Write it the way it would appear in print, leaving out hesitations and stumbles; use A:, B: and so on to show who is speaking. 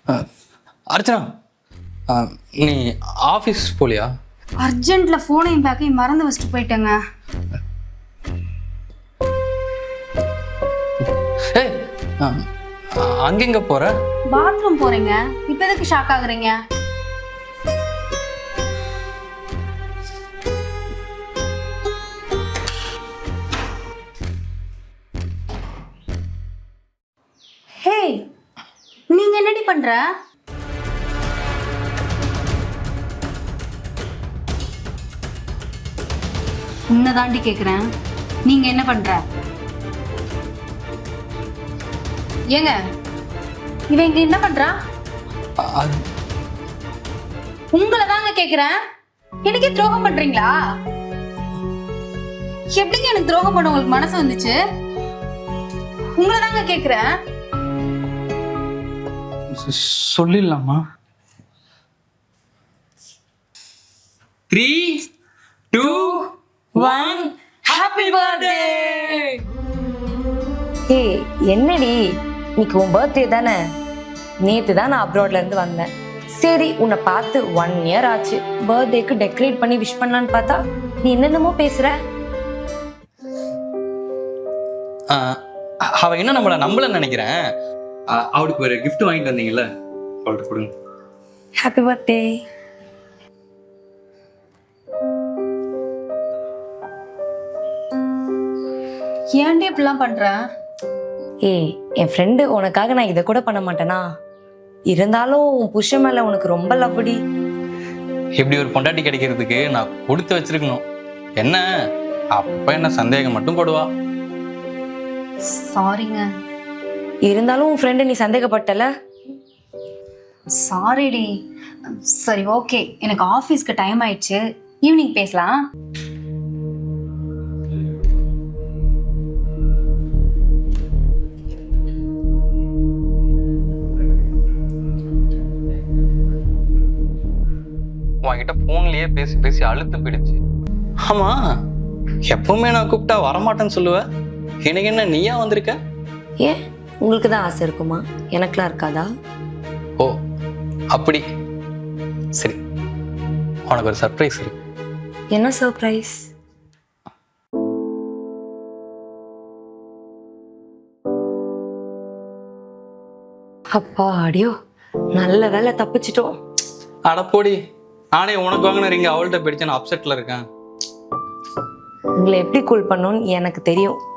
A: அர்ச்சனா, நீ ஆஃபீஸ் போலியா?
B: அர்ஜென்ட்ல ஃபோனையும் பேக்கையும் மறந்து வச்சுட்டு போயிட்டேங்க.
A: ஏய், அங்கெங்க போற?
B: பாத்ரூம் போறீங்க. இப்ப எதுக்கு ஷாக் ஆகுறீங்க? ஹே, நீங்க என்னடி பண்ற? உன்னதாண்டி கேக்குறேன், நீங்க என்ன பண்ற? ஏங்க, இவன் இங்க என்ன பண்றா? உங்களை தாங்க கேக்குறேன். எனக்கே துரோகம் பண்றீங்களா? எப்படிங்க எனக்கு துரோகம் பண்ண உங்களுக்கு மனசு வந்துச்சு? உங்களை தாங்க கேக்குறேன்.
A: சொல்லிடலாமா? 3, 2, 1 ஹாப்பி பர்த்டே.
C: ஏய், என்னடி இன்னைக்கு உன் பர்த்டே தானே? நேத்து தான் நான் அப்ராட்ல இருந்து வந்தேன். சரி, உன்னை பார்த்து 1 இயர் ஆச்சு. பர்த்டேக்கு டெக்கரேட் பண்ணி விஷ் பண்ணலான்னு பார்த்தா நீ என்னென்னமோ பேசுற.
A: அவ என்ன நம்மள நம்பலன்னு நினைக்கிறேன். அவளுக்கு ஒரு gift வாங்கிட்டு வந்தீங்கல்ல, அவளுக்கு கொடுங்க.
C: Happy birthday.
B: ஏன்டி இப்படிலாம் பண்ற?
C: ஏய், என் ஃப்ரெண்டு உனக்காக நான் இதை கூட பண்ண மாட்டேனா? இருந்தாலும் உன் புருஷன் மேல உனக்கு ரொம்ப லவ்டி.
A: இப்படி ஒரு பொண்டாட்டி கிடைக்கிறதுக்கு நான் கொடுத்து வச்சிருக்கணும். என்ன அப்ப என்ன சந்தேகம் மட்டும் போடுவா.
B: சாரிங்க.
C: இருந்தாலும் உன் ஃப்ரெண்டு நீ சந்தேகப்பட்டல.
B: சாரிடி. சரி, ஓகே, எனக்கு ஆஃபீஸ்க்கு டைம் ஆயிடுச்சு. ஈவினிங் பேசலாம்.
A: உன்கிட்ட போன்லயே பேசி பேசி அழுத்து போயிடுச்சு. ஆமா, எப்பவுமே நான் கூப்பிட்டா வரமாட்டேன்னு சொல்லுவ. எனக்கு என்ன நீயா வந்திருக்க?
C: ஏன், உங்களுக்கு தான் ஆசை இருக்குமா? எனக்குலாம் இருக்காதா?
A: ஓ அப்படி. சரி, உனக்கு ஒரு சர்ப்ரைஸ் இருக்கு.
C: என்ன சர்ப்ரைஸ்? அப்பா அடியோ, நல்ல வேலை தப்பிச்சிட்டோம்.
A: அட போடி, நானே உனக்கு வாங்கின ரிங்க அவள்கிட்ட போயிடுச்சு. நான் அப்செட்ல இருக்கேன்.
C: உங்களை எப்படி கூல் பண்ணணும்னு எனக்கு தெரியும்.